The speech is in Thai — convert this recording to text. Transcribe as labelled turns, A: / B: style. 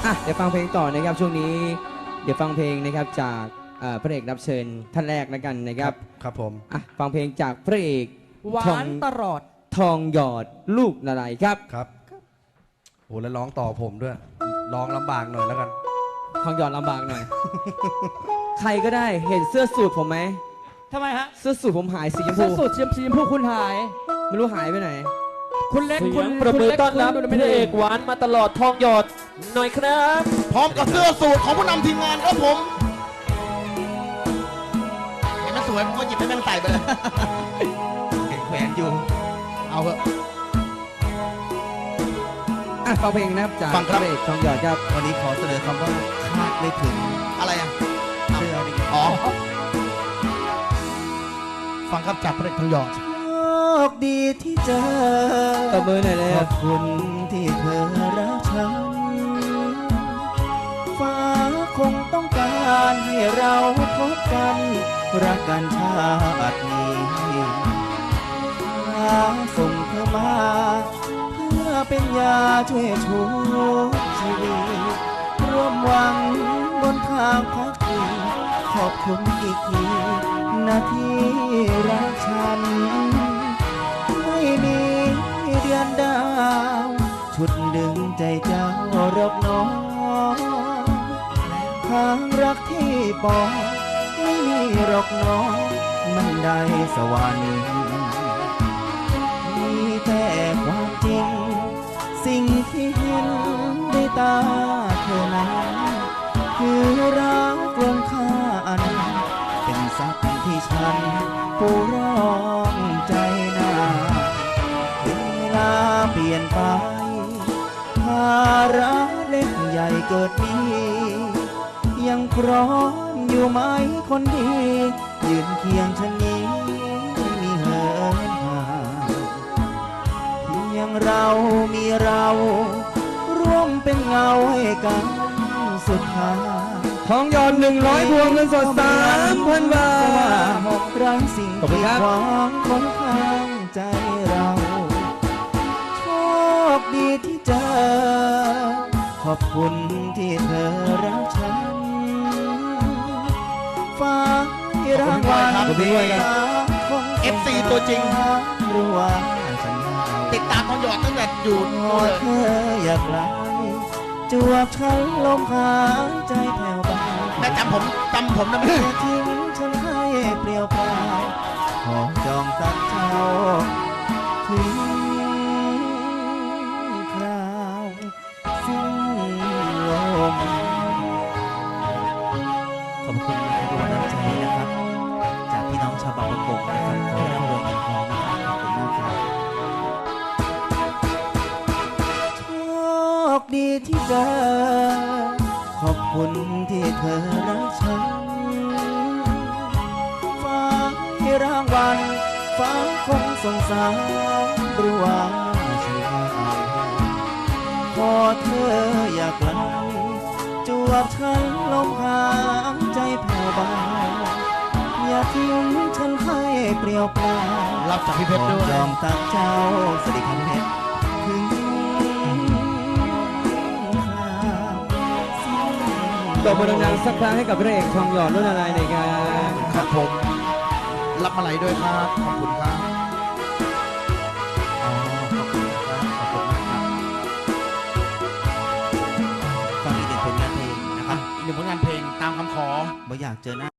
A: เดี๋ยวฟังเพลงต่อนะครับช่วงนี้เดี๋ยวฟังเพลงนะครับจากพระเอกรับเชิญท่านแรกแล้วกันนะครับ
B: ครับผม
A: ฟังเพลงจากพระเอก
C: หวานตลอด
A: ทองหยอดลูกนารายครับ
B: ครับโอ้แล้วร้องต่อผมด้วยร้องลำบากหน่อยแล้วกัน
A: ทองหยอดลำบากหน่อย ใครก็ได้เห็นเสื้อสูทผมไหม
C: ทำไมฮะ
A: เสื้อสูทผมหายสีชมพู
C: เสื้อสูทสีชมพูคุณหาย
A: ไม่รู้หายไปไหน
C: คุณเล็กคุณ
D: ประมือต้อนรับพระเอกหวานมาตลอดทองหยอดหน่อยครับ
E: พร้อมกับเสื้อสูทของผู้นำทีมงานครับผมเห็นมันสวยผมก็หยิบให้แม่งใส่ไปเลยเห็นแขวนอยู่เอาเถอะ
A: ฟังเพลงนะครับจากพระเอกทองหยอดครับ
E: วันนี้ขอเสนอคำว่าคาดไม่ถึงอะไรอ่ะเสื้อนี่อ๋อฟังครับจากพระเอกทองหยอด
F: โชคดีที่เจอ
A: ตบมือหน่อยเลย
F: ขอบคุณที่เธอรักฉันฟ้าคงต้องการให้เราพบกันรักกันชาตินี้ฟ้าส่งเธอมาเพื่อเป็นยาช่วยชูชีวิตร่วมหวังบนทางพักดีขอบคุณอีกทีนาทีรักฉันไม่มีเดือนดาวชุดดึงใจเจ้ารบน้องทางรักที่บอกไม่มีหรอกน้องมันได้สวรรค์มีแต่ความจริงสิ่งที่เห็นด้วยตาเธอนั้นคือรักลงค่าอันเป็นสักที่ฉันผู้ร้องใจนาเวลาเปลี่ยนไปภาระเล็กใหญ่เกิดมียังพร้อมอยู่ไหมคนดียืนเคียงฉันนี้ไม่มีเหินห่างเพียงเรามีเราร่วมเป็นเงาให้กันสุดท้าย
A: ทองหยอด100 พวงเงินสด 3,000 บาท
F: หกรังสิ่งที่ขวางคนข้างใจเราโชคดีที่เจอขอบคุณที่เธอรักฉันฟ้าที่รางวัล
E: FC ตัวจริง
F: รู้ว่าฉัน
E: ติดตามทองหยอดตั้งแต่อยู่
F: เธออยากไกลจวบฉันลมหายใจแผ่วเบา
E: แม่จำผมนะแม่
F: ทิ้งฉันให้เปลี่ยวเปล่าขอจองตักเจ้าถึงคราวสิ้นลมขอบคุณทุกกำลังใจนะครับจากพี่น้องชาวบางประกงนะครับขอให้ร่ำรวยเงินทองนะครับขอบคุณมากครับโชคดีที่เจอขอบคุณที่เธอรักฉันฟ้าให้รางวัลฟ้าคงสงสารรู้ว่าฉันเอาพอเธออยากไกลจวบฉันลมหายใจแผ่วเบาอย่าทิ้งฉันให้เปลี่ยวเปล่า
E: รับจากพี่เพชรด้วย
F: จองตักเจ้าสวัสดีครับเพชรถึง
A: ตบมือดังๆสักครั้งให้กับพระเอกทองหยอดรุ่นอะไรในการ
E: ครับผมรับมาลัยด้วยครับขอบคุณครับ
F: ขอบคุณครับขอบคุณมากครับฟังอีกหนึ่งผลงานเพลงนะครับ
E: อีกหนึ่งผลงานเพลงตามคำขอ
F: ไม่อยากเจอหน้า